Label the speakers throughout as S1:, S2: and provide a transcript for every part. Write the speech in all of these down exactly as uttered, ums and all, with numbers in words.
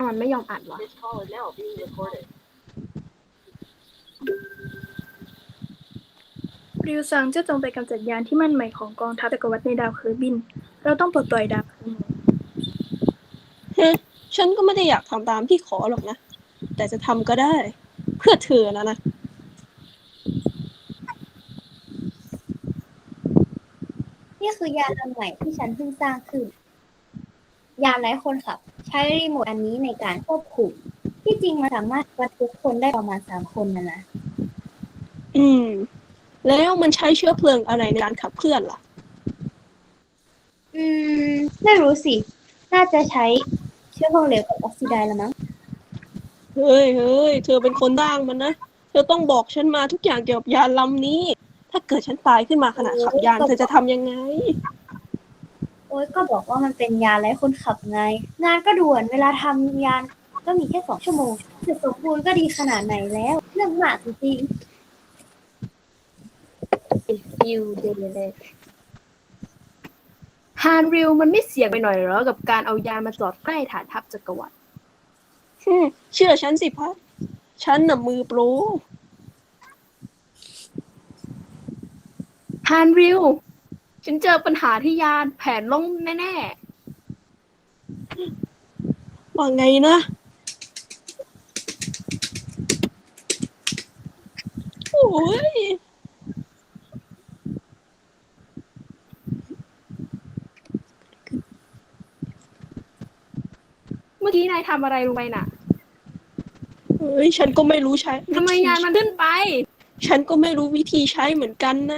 S1: มันไม่ยอมอัดวะ
S2: ริวซังจะจงไปกำจัดยานที่มั่นหมายของกองทัพจักรวรรดิในดาวเคอร์บินเราต้องปลดปล่อยดาวเคอร์บิน
S3: ฮะฉันก็ไม่ได้อยากทำตามที่ขอหรอกนะแต่จะทำก็ได้เพื่อเธอนะนะ
S4: นี่คือยานลำใหม่ที่ฉันเพิ่งสร้างขึ้นยานไร้คนขับใช้รีโมทอันนี้ในการควบคุมที่จริงมันสามารถบรรทุกคนได้ประมาณสามคนนะนะ
S3: อืมแล้วมันใช้เชื้อเพลิงอะไรในการขับเคลื่อนล่ะ
S4: อืมไม่รู้สิน่าจะใช้เชื้อเพลิงเหลวกับออกซิไดซ์ละมั้ง
S3: เฮ้ยเฮ้ยเธอเป็นคนสร้างมันนะเธอต้องบอกฉันมาทุกอย่างเกี่ยวกับยานลำนี้ถ้าเกิดฉันตายขึ้นมาขณะขับยานเธอจะทำยังไง
S4: โอ้ยก็บอกว่ามันเป็นยานไร้คนขับไงงานก็ด่วนเวลาทำยานก็มีแค่สองชั่วโมงเสร็จสมบูรณ์ก็ดีขนาดไหนแล้วเรื่องมากจริงๆฟิวเดย์เลย
S1: ฮานริวมันไม่เสี่ยงไปหน่อยเหรอกับการเอายานมาจอดใกล้ฐานทัพจักรวรรดิ
S3: อืมเชื่อฉันสิพัดฉันน่ะมือโปร
S1: ฮานริวฉันเจอปัญหาที่ยานแผนล่มแน่
S3: ว่าไงนะโอ้ย
S1: ๆเมื่อกี้นายทำอะไรลงไปน่ะ
S3: เฮ้ยฉันก็ไม่รู้ใช้
S1: ทำไมยานมันขึ้นไป
S3: ฉันก็ไม่รู้วิธีใช้เหมือนกันนะ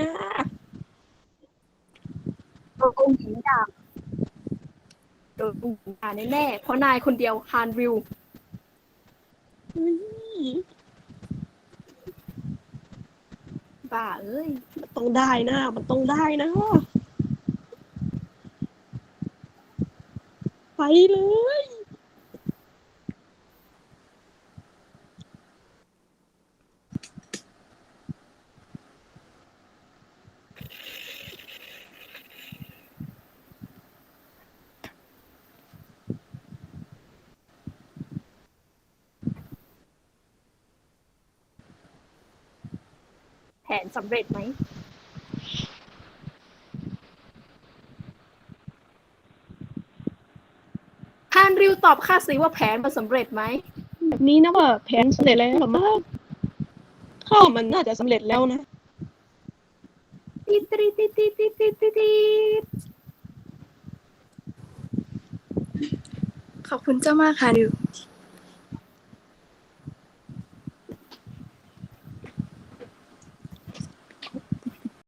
S1: โดนองค์หญิงด่าโดนองค์หญิงด่าแน่ๆเพราะนายคนเดียวฮานริวบ้าเอ้ย
S3: มันต้องได้นะมันต้องได้นะไปเลย
S1: แผนสำเร็จไหมฮานริวตอบข้าสิว่าแผนมันสำเร็จไหม
S3: แบบนี้นะว่าแผนสำเร็จแล้วหรอมั้งข้ามันน่าจะสำเร็จแล้วนะ
S1: ติดติดติดติดติดติดติด
S2: ขอบคุณเจ้ามากค่ะริว